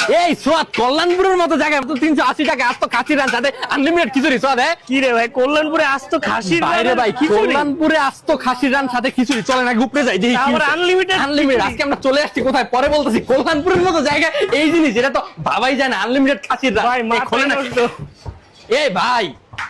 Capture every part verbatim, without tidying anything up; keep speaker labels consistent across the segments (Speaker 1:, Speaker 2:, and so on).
Speaker 1: এই সোয়াদ কল্যাণপুরের মতো জায়গায় তো তিনশো আশি টাকা আজ তো খাসির রান সাথে আনলিমিটেড খিচুড়ি সোয়াদ। হ্যাঁ
Speaker 2: কি রে ভাই, কল্যাণপুরে আজ তো খাসির
Speaker 1: বাইরে ভাই কল্যাণপুরে আজ তো খাসির রান সাথে খিচুড়ি চলে না ঘুরতে যাই দেখি
Speaker 2: আবার আনলিমিটেড
Speaker 1: আনলিমিটেড। আজকে আমরা চলে আসছি কোথায় পরে বলতেছি, কল্যাণপুরের মতো জায়গায় এই জিনিস এটা তো ভাবাই যায় না, আনলিমিটেড খাসির রান।
Speaker 2: ভাই
Speaker 1: খোলে না
Speaker 2: মাথা
Speaker 1: এই ভাই,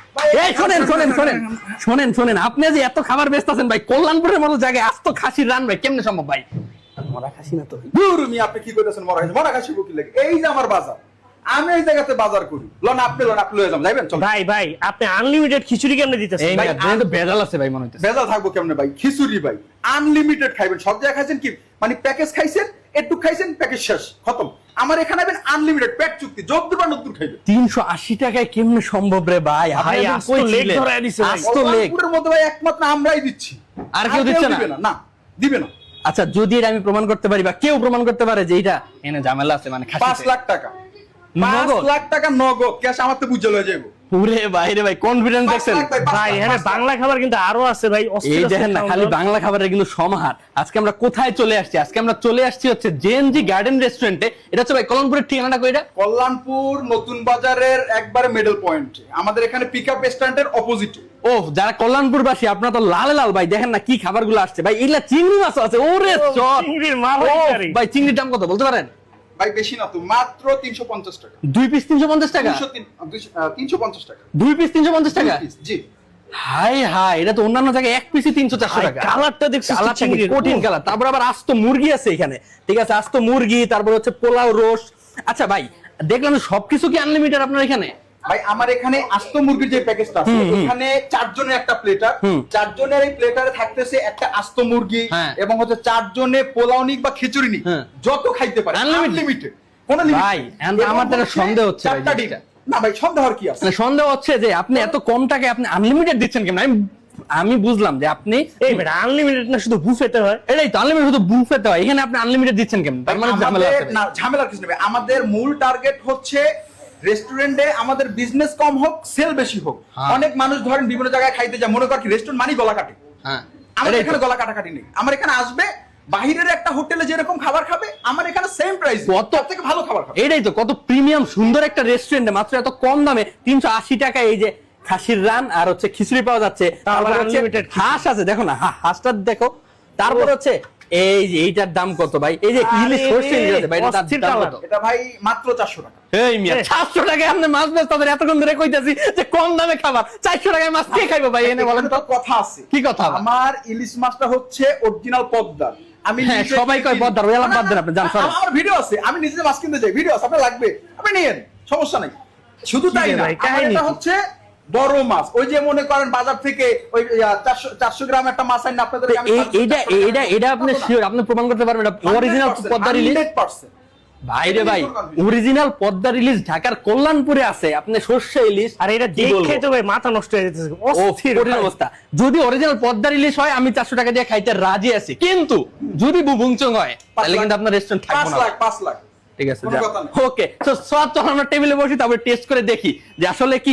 Speaker 1: এই শোনেন শোনেন শোনেন শোনেন শোনেন আপনি যে এত খাবার ব্যস্ত আছেন ভাই, কল্যাণপুরের মতো জায়গায় আজ তো খাসির রান ভাই কেমনে সম্ভব ভাই?
Speaker 3: মরা খাসি না তো দূর মি আপনি কি কইতেছেন? মরা খাসি মরা খাসি কি লাগে? এই যে আমার বাজার, আমি এই জায়গাতে বাজার করি। লন আপনি লন আপনি লয়ে যান, যাবেন চল।
Speaker 2: ভাই ভাই আপনি আনলিমিটেড খিচুড়ি কেমনে দিতেছেন?
Speaker 1: এই
Speaker 2: ভাই
Speaker 1: ভাই তো বেজাল আছে ভাই মনে হইতেছে।
Speaker 3: বেজাল থাকবো কেমনে ভাই? খিচুড়ি ভাই আনলিমিটেড খাইবেন। সব জায়গায় খাইছেন কি মানে প্যাকেজ খাইছেন, একটু খাইছেন প্যাকেজ শেষ খতম। আমার এখানে আবেন আনলিমিটেড পেট চুক্তি, যতদূর বা নতুন খাইবেন।
Speaker 1: তিনশো আশি টাকায় কেমনে সম্ভব রে ভাই?
Speaker 2: ভাই
Speaker 1: আপনি
Speaker 2: আজ তো লেগ ধরায় দিছে ভাই।
Speaker 1: আজ তো লেগ
Speaker 3: কল্যাণপুরের মধ্যে ভাই একমাত্র আমরাই দিচ্ছি,
Speaker 1: আর কেউ দিচ্ছে না?
Speaker 3: দিবে না, না দিবে না।
Speaker 1: আচ্ছা যদি এটা আমি প্রমাণ করতে পারি বা কেউ প্রমাণ করতে পারে যে এটা এনে ঝামেলা আছে মানে
Speaker 3: পাঁচ লাখ টাকা পাঁচ
Speaker 1: নগদ?
Speaker 3: লাখ টাকা নগদ ক্যাশ আমার তো বুঝে লয়ে যাবো।
Speaker 1: পুরে বাইরে ভাই কনফিডেন্স দেখছেন
Speaker 2: ভাই এখানে বাংলা খাবার কিন্তু আরো আছে ভাই।
Speaker 1: এই দেখেন না খালি বাংলা খাবারের কিন্তু সমাহার। আজকে আমরা কোথায় চলে আসছি? আজকে আমরা চলে আসছি হচ্ছে জেএনজি গার্ডেন রেস্টুরেন্টে। এটা হচ্ছে ভাই কল্যাণপুরের ঠিকানাটা কইটা?
Speaker 3: কল্যাণপুর নতুন বাজারের একবারে মিডল পয়েন্ট, আমাদের এখানে পিকআপ স্ট্যান্ডের অপোজিটে।
Speaker 1: ও যারা কল্যাণপুরবাসী আপনারা তো লাল লাল ভাই দেখেন না কি খাবারগুলো আসছে ভাই। এগুলা চিংড়ি মাছ আছে, ওরে চট
Speaker 2: চিংড়ির মাল
Speaker 1: ও,
Speaker 2: হইতারি।
Speaker 1: ভাই চিংড়ির দাম কত বলতে পারেন?
Speaker 3: ভাই বেশি না তো, মাত্র তিনশো পঞ্চাশ টাকা।
Speaker 1: দুই পিস তিনশো পঞ্চাশ টাকা?
Speaker 3: তিনশো তিন- দুইশো- আহ, তিনশো পঞ্চাশ টাকা
Speaker 1: দুই পিস তিনশো পঞ্চাশ টাকা?
Speaker 3: দুই piece, জি।
Speaker 1: হাই হাই, এটা তো অন্যান্য জায়গায় এক পিসই তিনশো চারশো টাকা।
Speaker 2: কালারটা দেখছিস তো
Speaker 1: কালারটা কি
Speaker 2: চিংড়ির?
Speaker 1: কঠিন কালার। তারপর আবার আস্ত মুরগি আছে এখানে, ঠিক আছে আস্ত মুরগি, তারপর হচ্ছে পোলাও রোস্ট। আচ্ছা ভাই দেখলাম সবকিছু কি আনলিমিটেড আপনার এখানে?
Speaker 3: ভাই আমার এখানে আস্ত মুরগির যে প্যাকেজটা আছে, এখানে চারজনের একটা প্লেটার,
Speaker 1: হুম।
Speaker 3: চারজনের এই প্লেটারে থাকতেছে একটা আস্ত মুরগি
Speaker 1: হ্যাঁ।
Speaker 3: এবং হচ্ছে চারজনে পোলাও নিক বা খিচুড়ি নিক,
Speaker 1: হ্যাঁ।
Speaker 3: যত খাইতে পারে
Speaker 1: Unlimited?
Speaker 3: আনলিমিটেড, কোনো লিমিট
Speaker 1: ভাই, and আমার তো একটা সন্দেহ হচ্ছে ভাই জিনিসটা।
Speaker 3: না ভাই সন্দেহ আর কি আছে?
Speaker 1: মানে সন্দেহ হচ্ছে যে আপনি এত কম টাকায় আপনি আনলিমিটেড দিচ্ছেন কেন? আমি আমি বুঝলাম যে আপনি
Speaker 2: এই বেটা আনলিমিটেড না শুধু বুফেতে হয়।
Speaker 1: এটাই তো আনলিমিটেড শুধু বুফেতে হয়, এখানে আপনি আনলিমিটেড দিচ্ছেন কেন? তার মানে ঝামেলা আছে
Speaker 3: আমাদের
Speaker 1: ভাই।
Speaker 3: না ঝামেলার কিছু নেই। আমাদের মূল টার্গেট হচ্ছে রেস্টুরেন্টে আমাদের বিজনেস কম হোক, সেল বেশি হোক।
Speaker 1: হ্যাঁ।
Speaker 3: অনেক মানুষ ধরেন বিভিন্ন জায়গায় খাইতে যায়, মনে কর কি রেস্টুরেন্ট মানি গলা কাটে।
Speaker 1: হ্যাঁ
Speaker 3: আমার
Speaker 1: এটাই
Speaker 3: এখানে
Speaker 1: তো।
Speaker 3: গলা কাটাকাটি নেই। আমার এখানে আসবে বাহিরের একটা হোটেলে যেরকম খাবার খাবে, আমার এখানে সেম প্রাইস,
Speaker 1: কত
Speaker 3: তার থেকে ভালো খাবার খাবে।
Speaker 1: এটাই তো, কত প্রিমিয়াম সুন্দর একটা রেস্টুরেন্টে মাত্র এত কম দামে তিনশো আশি টাকায় এই যে খাসির রান আর হচ্ছে খিচুড়ি পাওয়া যাচ্ছে। তারপর হচ্ছে
Speaker 2: unlimited
Speaker 1: হাঁস আছে, দেখো না হা- হাঁসটা দেখো। তারপর হচ্ছে এই যে এইটার দাম কত ভাই? এই যে ইলিশ
Speaker 2: আরে,
Speaker 1: সরষে ইলিশ আছে ভাই, এটার
Speaker 2: অস্থির
Speaker 1: দাম
Speaker 2: কালার।
Speaker 1: কত?
Speaker 3: এটা ভাই মাত্র চারশো টাকা।
Speaker 1: এই মিয়া চারশো টাকায় আপনি মাছ বেচ তাদের এতক্ষণ ধরে কইতাছি যে কম দামে খাবার, চারশো টাকায় মাছ কে খাইবো ভাই? এনে বলেন
Speaker 3: এখানে
Speaker 1: তো
Speaker 3: তো কথা আছে।
Speaker 1: কি কথা?
Speaker 3: আমার ইলিশ মাছটা হচ্ছে অরিজিনাল পদ্মার। আমি
Speaker 1: হ্যাঁ,
Speaker 3: নিজে
Speaker 1: সবাই কয়
Speaker 3: কিনি।
Speaker 1: পদ্মার, ওই আলাপ
Speaker 3: না,
Speaker 1: বাদ দেন
Speaker 3: না,
Speaker 1: আপনি, যান,
Speaker 3: না,
Speaker 1: সরেন।
Speaker 3: আমার ভিডিও আছে, আমি নিজে মাছ কিনতে যাই, ভিডিও আছে, আপনার লাগবে আপনি নিয়েন, সমস্যা নাই। শুধু
Speaker 2: কি
Speaker 3: তাই
Speaker 2: রে
Speaker 3: না,
Speaker 2: ভাই,
Speaker 3: আমার
Speaker 2: কাহিনী
Speaker 3: এটা
Speaker 2: কি?
Speaker 3: হচ্ছে বড় মাছ। ওই যে মনে করেন বাজার থেকে ওই চারশো চারশো গ্রাম একটা মাছ আইন আপনাদের
Speaker 1: তো এই এইটা এইটা এটা আপনি শিওর আপনি প্রমাণ করতে পারবেন এটা অরিজিনাল পদ্মা ইলিশ?
Speaker 3: হান্ড্রেড পার্সেন্ট
Speaker 1: ভাই রে ভাই, অরিজিনাল পদ্মা ইলিশ ঢাকার কল্যাণপুরে আছে। আপনি সর্ষে ইলিশ
Speaker 2: আর এটা
Speaker 1: কি বলবো?
Speaker 2: দেখে তো ভাই মাথা নষ্ট হয়ে যেতেছে।
Speaker 1: ও
Speaker 2: অস্থির
Speaker 1: কঠিন
Speaker 2: ভাই।
Speaker 1: অবস্থা। যদি অরিজিনাল পদ্মা ইলিশ হয় আমি চারশো টাকা দিয়ে খাইতে রাজি আছি, কিন্তু যদি বুবুংচং হয় তাহলে কিন্তু আপনার রেস্টুরেন্ট
Speaker 3: পাঁচ
Speaker 1: থাকবে না।
Speaker 3: লাখ পাঁচ লাখ
Speaker 1: ঠিক আছে
Speaker 3: কোনো কথা নেই।
Speaker 1: ওকে, তো সব তো আমরা টেবিলে বসি, তারপর টেস্ট করে দেখি যে আসলে কি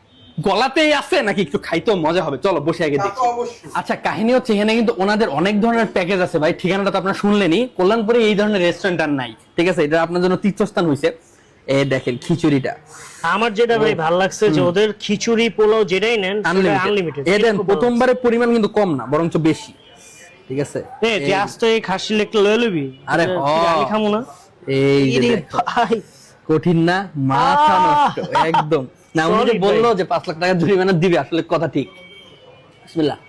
Speaker 1: গলাতেই আছে নাকি একটু খাইতেও মজা হবে। চলো বসে আগে
Speaker 3: তা তো
Speaker 1: দেখি।
Speaker 3: অবশ্যই।
Speaker 1: আচ্ছা কাহিনী হচ্ছে এখানে কিন্তু ওনাদের অনেক ধরনের প্যাকেজ আছে ভাই। ঠিকানাটা তো আপনারা শুনলেনই, কল্যাণপুরে এই ধরনের রেস্টুরেন্ট আর নাই। ঠিক আছে, এটা আপনার জন্য তীর্থস্থান হয়েছে। এই দেখেন খিচুড়িটা
Speaker 2: আমার যেটা ভাই ভালো লাগছে যে ওদের খিচুড়ি পোলাও যেটাই নেন আনলিমিটেড।
Speaker 1: এদের প্রথমবারের পরিমাণ কিন্তু কম না, বরঞ্চ বেশি। ঠিক আছে,
Speaker 2: এ তুই আজ তো এই খাসি লেগটা লয়ে লবি।
Speaker 1: আরে
Speaker 2: যে,
Speaker 1: হ।
Speaker 2: আমি খামু না।
Speaker 1: এই যে
Speaker 2: ইরে
Speaker 1: দেখো,
Speaker 2: ভাই
Speaker 1: কঠিন না, মাথা
Speaker 2: আহ!
Speaker 1: নষ্ট একদম। না উনি যে
Speaker 2: Solid
Speaker 1: বললো
Speaker 2: ভাই।
Speaker 1: যে পাঁচ লাখ টাকা জরিমানা দিবে, আসলে কথা ঠিক। বিসমিল্লাহ।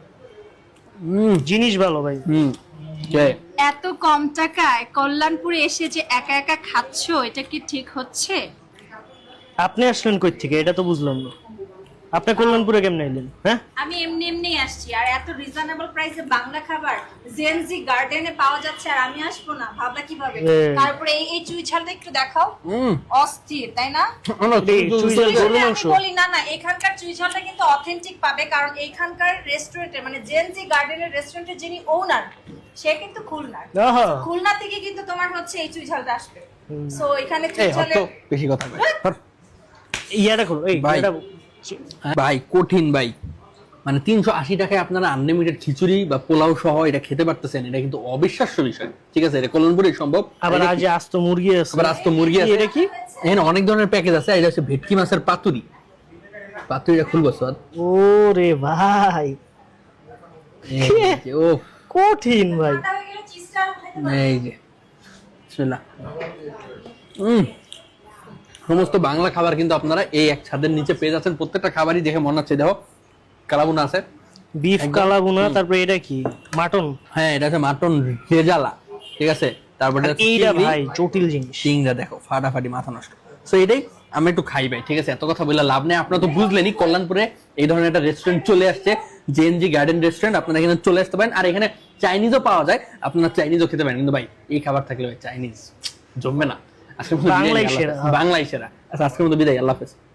Speaker 1: হুম
Speaker 2: জিনিস ভালো ভাই।
Speaker 1: হুম জয়।
Speaker 4: এত কম টাকায় কল্যাণপুরে এসে যে একা একা খাচ্ছো, এটা কি ঠিক হচ্ছে?
Speaker 2: আপনি আসলেন কই থেকে এটা তো বুঝলাম না। আপনি কল্যাণপুরে কেমনে এলেন? হ্যাঁ
Speaker 4: আমি এমনি এমনি আসছি, আর এত রিজনেবল প্রাইসে বাংলা খাবার জেনজি গার্ডেনে পাওয়া যাচ্ছে, আর আমি আসবো না? ভাবলা কিভাবে?
Speaker 2: এ।
Speaker 4: তারপরে এই এই চুই ঝালটা একটু দেখাও,
Speaker 1: হুম
Speaker 4: অস্থির তাই না?
Speaker 2: এই চুই ঝাল গরুর
Speaker 4: আমি
Speaker 2: মাংস।
Speaker 4: বলি না না, এখানকার চুই ঝালটা কিন্তু অথেন্টিক পাবে, কারণ এখানকার রেস্টুরেন্টে মানে জেনজি গার্ডেনের রেস্টুরেন্টের যিনি ওনার, সে কিন্তু খুলনার।
Speaker 2: আহা।
Speaker 4: খুলনা থেকে কিন্তু তোমার হচ্ছে এই চুই ঝালটা আসবে। সো এখানে চুই
Speaker 1: এই
Speaker 4: ঝালে
Speaker 1: হতো বেশি কথা ভাই।
Speaker 2: ইয়াটা করো এই
Speaker 1: ভাই।
Speaker 2: এটা
Speaker 1: ভাই কঠিন ভাই, মানে তিনশো আশি টাকায় আপনারা আনলিমিটেড খিচুড়ি বা পোলাও সহ এটা খেতে পারতেছেন, এটা কিন্তু অবিশ্বাস্য বিষয়। ঠিক আছে, এটা কল্যাণপুরেই সম্ভব।
Speaker 2: আবার আজ যে আস্ত মুরগি আছে,
Speaker 1: আবার আস্ত মুরগি আছে।
Speaker 2: এটা কি?
Speaker 1: এখানে অনেক ধরনের প্যাকেজ আছে। এটা হচ্ছে ভেটকি মাছের পাতুরি। পাতুরিটা খুলবো স্যার।
Speaker 2: ও রে ভাই,
Speaker 1: ও
Speaker 2: কঠিন ভাই।
Speaker 4: ঠান্ডা হয়ে গেলে চিজটা আরো খাইতে পারবেন।
Speaker 1: এই যে বিসমিল্লাহ। হুম, সমস্ত বাংলা খাবার কিন্তু আপনারা এই এক ছাদের নিচে পেয়ে যাচ্ছেন। প্রত্যেকটা খাবারই দেখে মনে হচ্ছে দেখো কালাবুনা আছে,
Speaker 2: বিফ কালাগুনা, তারপর এটা কি মাটন,
Speaker 1: হ্যাঁ এটা হচ্ছে মাটন রেজালা, ঠিক আছে। তারপরে
Speaker 2: আর এইটা ভাই জটিল জিনিস,
Speaker 1: চিংড়া দেখো ফাটাফাটি মাথা নষ্ট। সো এটাই আমি একটু খাই ভাই, ঠিক আছে। এত কথা বলে লাভ নেই, আপনারা তো বুঝলেনই কল্যাণপুরে এই ধরনের একটা রেস্টুরেন্ট চলে আসছে, জেএনজি গার্ডেন রেস্টুরেন্ট। আপনারা এখানে চলে আসতে পারেন, আর এখানে চাইনিজও পাওয়া যায়, আপনারা চাইনিজও খেতে পারেন। কিন্তু ভাই এই খাবার থাকলে ভাই চাইনিজ জমবে না। আজকের মতো
Speaker 2: বাংলাই
Speaker 1: বিদায়, আল্লাহ
Speaker 2: সেরা।
Speaker 1: হাফেজ। বাংলাই সেরা। আচ্ছা আজকের মতো বিদায়, আল্লাহ হাফেজ।